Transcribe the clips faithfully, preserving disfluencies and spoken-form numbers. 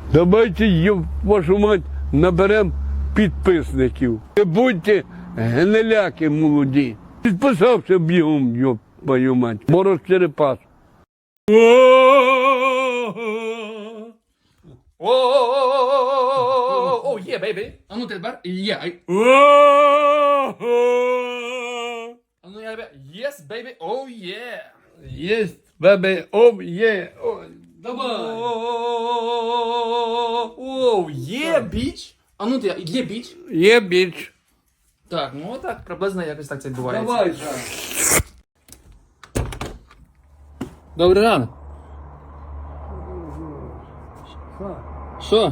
Давайте, ёб вашу мать, наберемо підписників. Не будьте гниляки молоді. Підписався бігом, ёб твою мать. Мороз Черепас. О, є, бейбі. А ну тепер є. А ну я тебе. Yes, baby. Oh, yeah. Єсть, бебе, ом, є. Давай. Оу, є, біч. А ну ти, є біч. Є біч. Так, ну так, приблизно якось так це відбувається. Давай, Добрий ранок. Що?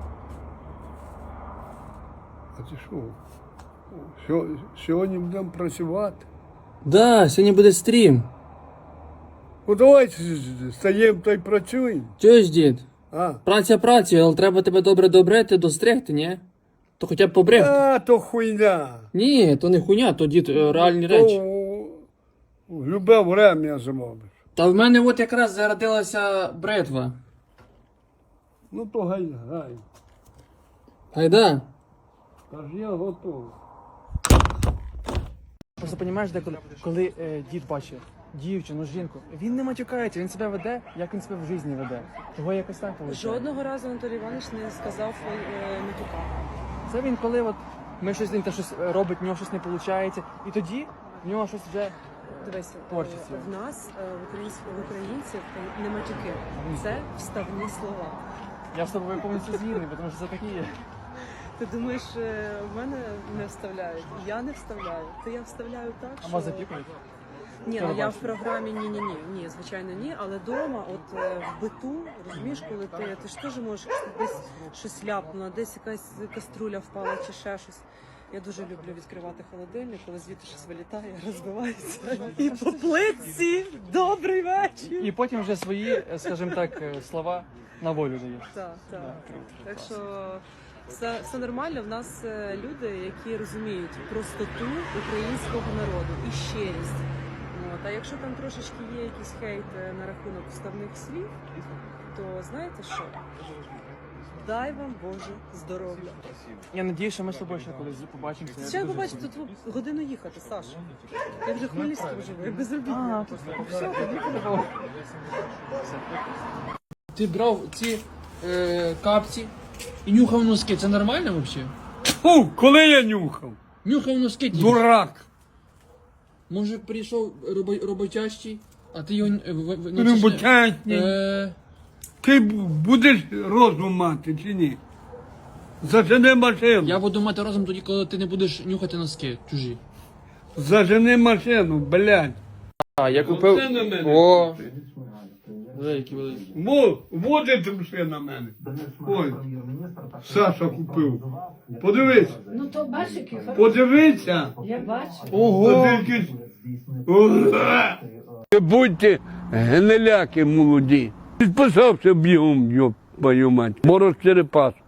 А ти що? Сьо- Сьогодні будемо працювати. Да, сьогодні буде стрім. Ну давай стаємо та й працюємо. Чуєш, дід? А, Праця працею, але треба тебе добре добрити, достригти, ні? То хоча б побрехти. а то хуйня. Ні, то не хуйня, то дід е, реальні речі. То в любе время зробиш. Та в мене от якраз зародилася бритва. Ну то гай, гай. Гайда. Та ж я готовий. Просто розумієш, де коли, коли е, дід бачить дівчину, жінку, він не матюкається, він себе веде, як він себе в житті веде. Того якось так виходить. Жодного разу Анатолій Іванович не сказав е, матюка. Це він коли от ми щось він те щось робить, в нього щось не виходить, і тоді в нього щось вже Дивись, е, Творчість. в нас, е, в українців, в українців е, не матюки. Це вставні слова. я з тобою повністю згідний, тому що це такі є. Ти думаєш, е, в мене не вставляють? Я не вставляю. То я вставляю так, А що... вас запікують? Ні, ну я в програмі ні-ні-ні. Ні, звичайно, ні. Але вдома, от е, в биту, розумієш, коли ти, ти ж теж можеш десь щось ляпнуло, десь якась каструля впала чи ще щось. Я дуже люблю відкривати холодильник, коли звідти щось вилітає, розбивається. І по плитці добрий вечір. І потім вже свої, е, скажімо так, е, слова на волю даєш. Так, так. Так що все, все нормально. В нас е, люди, які розуміють простоту українського народу і щирість. От. А якщо там трошечки є якийсь хейт е, на рахунок вставних слів, то знаєте що? Дай вам Боже здоров'я. Я надію, що ми з тобою ще колись побачимося. Ще побачите, тут годину їхати, Саша. Я вже хвилістку живу, я безробітна. А, все, тоді подобало. Ти брав ці е, капці і нюхав носки. Це нормально взагалі? Фу, коли я нюхав? Нюхав носки, дід. Дурак. Може прийшов робо- роботящий, а ти його... е, в- в- ну, це ж не- Роботятні. Е, Ти б- будеш розум мати чи ні? Зажени машину. Я буду мати розум тоді, коли ти не будеш нюхати носки чужі. Зажени машину, блядь. А, я купив- Оце на мене. О! Великі, великі. Во, води труси на мене. Ой, Саша купив. Подивись, Ну то бачиш, який хороший. подивися. Я бачу. Ого! Не будьте гниляки молоді. Підписався бігом, ёб твою мать. Мороз Черепас.